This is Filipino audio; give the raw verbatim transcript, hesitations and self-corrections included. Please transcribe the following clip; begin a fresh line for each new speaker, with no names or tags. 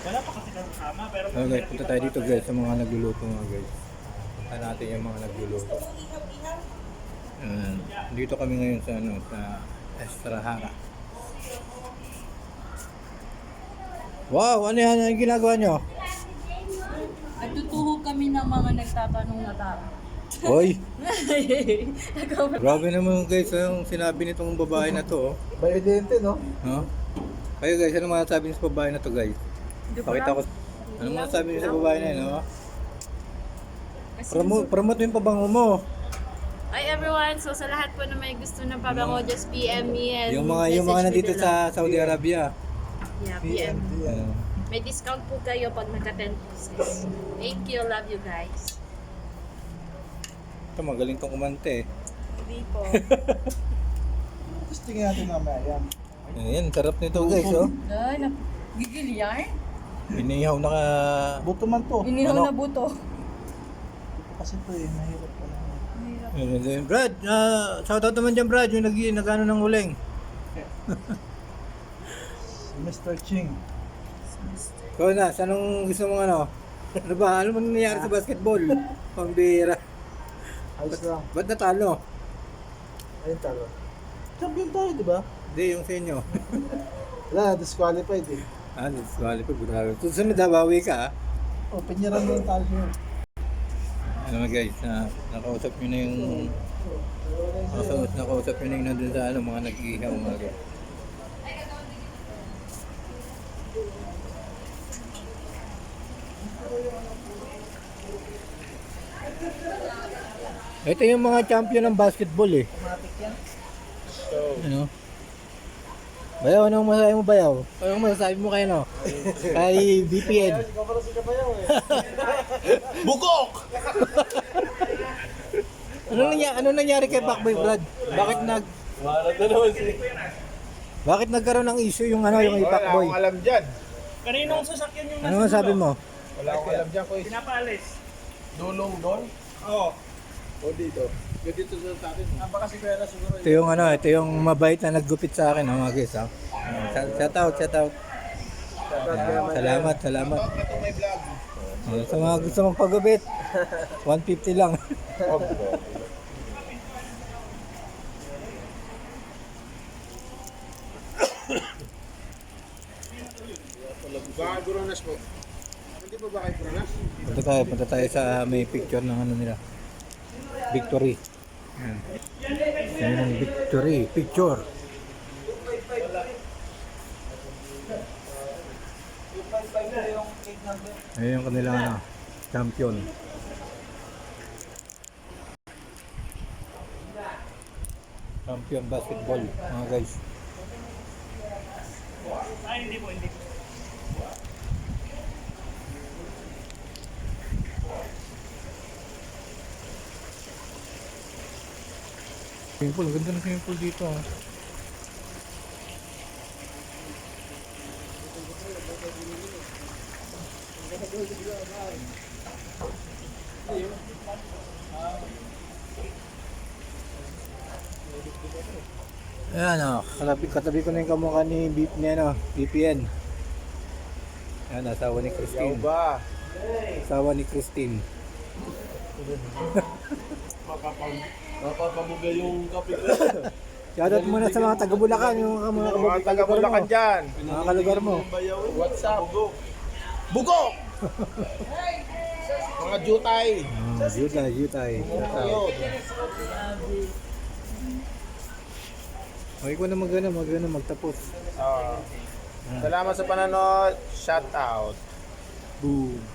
Wala pa kasi kasama, pero...
Okay, guys, punta tayo dito guys sa mga nagluluto mga guys. Punta natin yung mga nagluluto. Ayan. Dito kami ngayon sa ano, sa Estrahara. Wow, ano yan? Ano yung ginagawa nyo?
Nagtutuhog kami ng mga nagtatanong na tao.
Hoy! Grabe naman guys, yung sinabi nitong babae na to. Oh.
Bayodente, no?
No? Kayo guys, ano mga sabi niyo sa babae na to guys? Pakita ko. Ano mga sabi niyo sa babae na yun? No? Promote, promote mo yung pabango mo.
Hi everyone! So sa lahat po na may gusto ng pabango, just P M me and
Yung mga yung mga
message me
nandito
below.
sa Saudi Arabia.
Yeah, P M.
Uh,
May discount po kayo pag nagka ten pieces. Thank you, love you guys.
ito magaling tong kumante.
Hindi po.
Tapos tingnan natin mamaya yan.
Ayan, sarap nito guys, oh.
Ay, gigil yan?
Inihaw na ka...
Buto man to.
Inihaw
Ano?
na buto.
Kasi to eh, mahirap pa lang.
Ayan, Brad, uh, shoutout naman dyan Brad, yung nag nag-ano ng uling.
Si Mister Ching.
So na, anong gusto mong ano? Ano ba? Ano man nangyari sa basketball? Pambira.
Ayos lang.
Ba't natalo?
Ayun talo. Champion tayo, di ba?
Hindi, yung sa inyo.
Wala, disqualified eh.
Ah, disqualified. Grabe. Susunod na, bawi ka ah.
O, pinyaran mo yung talo yun.
Ano mga guys, na, nakausap nyo na yung... Nakausap, nakausap nyo na yung nandun sa ano, mga nag-ihaw mga guys. Ito yung mga champion ng basketball eh.
Automatic yan.
Ano? Bayaw, anong masasabi mo Bayaw? Anong masasabi mo kayo no? Kay B P N.
Ikaw pala si Kapayaw eh.
Bukok! ano nangyari, ano nangyari kay Pacboy Brad? Bakit nag
Marat na naman si...
Bakit nagkaroon ng issue yung ano yung Pacboy?
Wala akong alam dyan.
Kaninong sasakyan yung
Ano masabi mo?
Wala akong alam dyan, Koy.
Pinapaalis.
Dulong doon?
Oo.
O dito? Dito sa atin. Ah, baka si Kuya na siguro.
Ito yung ano, ito yung mabait na naggupit sa akin, oh, mga guys, ha. Shout out, shout out. Ayan, salamat, salamat.
Ito may vlog.
Oh, sa mga gusto mong paggupit, one fifty lang.
Baka Guronas po. Hindi po ba kayo Guronas?
Punta tayo, punta tayo sa may picture ng ano nila. Victory. Ayan. Ayan ang victory, picture. Ayan yung kanilang ano, champion. Champion basketball, mga guys.
Ay, hindi po, hindi po.
Swimming pool, ganda ng swimming pool dito ah. Ayan o, katabi, katabi ko na yung kamukha ni, B, ni ano, B P N. Ayan, asawa ni Christine.
ba?
Asawa ni Christine.
Mapapabuga yung kape ko.
Shoutout muna sa mga taga Bulacan, yung mga, mga,
Mga taga Bulacan dyan.
mga kalugar mo.
What's up? Bugok! Mga jutay.
Oh, Jutay, Jutay.
Ayun.
Okay ko na mag-ano, mag-ano, magtapos.
Ah. Salamat sa panonood. Shout out.
Boom.